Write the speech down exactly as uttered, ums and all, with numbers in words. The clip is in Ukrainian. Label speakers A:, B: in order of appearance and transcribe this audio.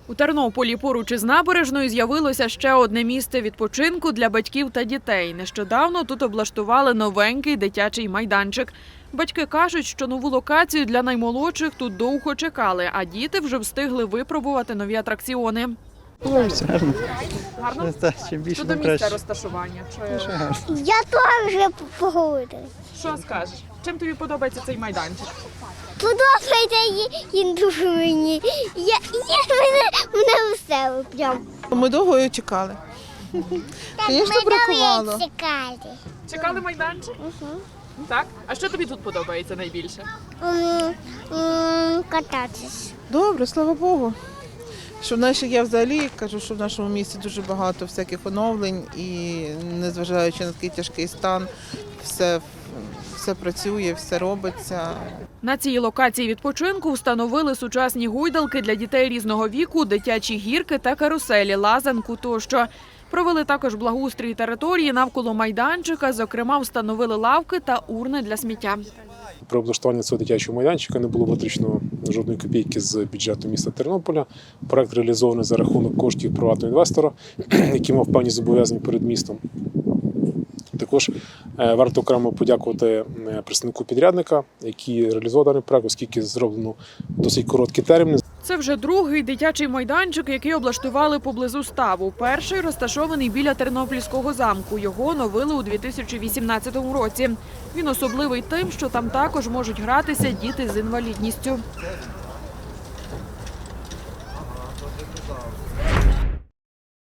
A: У Тернополі поруч із набережною з'явилося ще одне місце відпочинку для батьків та дітей. Нещодавно тут облаштували новенький дитячий майданчик. Батьки кажуть, що нову локацію для наймолодших тут довго чекали, а діти вже встигли випробувати нові атракціони.
B: Подобається, гарно.
A: Гарно?
B: Так, чим більше,
A: Щодо
B: тим
A: місця
B: краще.
A: розташування.
B: Дуже гарно.
C: Я теж вже поговорила.
A: Що скажеш? Чим тобі подобається цей майданчик?
C: Подобається їм дуже мені. Я, я мене, мене весело прям.
D: Ми довго її чекали. Звісно, бракувало.
C: Чекати.
A: Чекали майданчик? Так? А що тобі тут подобається найбільше?
C: Кататись.
D: Добре, слава Богу. Що в нашій, я взагалі кажу, що в нашому місті дуже багато всяких оновлень і незважаючи на такий тяжкий стан, все, все працює, все робиться.
A: На цій локації відпочинку встановили сучасні гойдалки для дітей різного віку, дитячі гірки та каруселі, лазанку тощо. Провели також благоустрій території навколо майданчика, зокрема встановили лавки та урни для сміття.
E: При облаштуванні цього дитячого майданчика не було витрачено жодної копійки з бюджету міста Тернополя. Проект реалізований за рахунок коштів приватного інвестора, який мав певні зобов'язання перед містом. Також варто окремо подякувати представнику підрядника, який реалізував даний проект, оскільки зроблено досить короткі терміни.
A: Це вже другий дитячий майданчик, який облаштували поблизу ставу. Перший розташований біля Тернопільського замку. Його оновили у дві тисячі вісімнадцятому році. Він особливий тим, що там також можуть гратися діти з інвалідністю.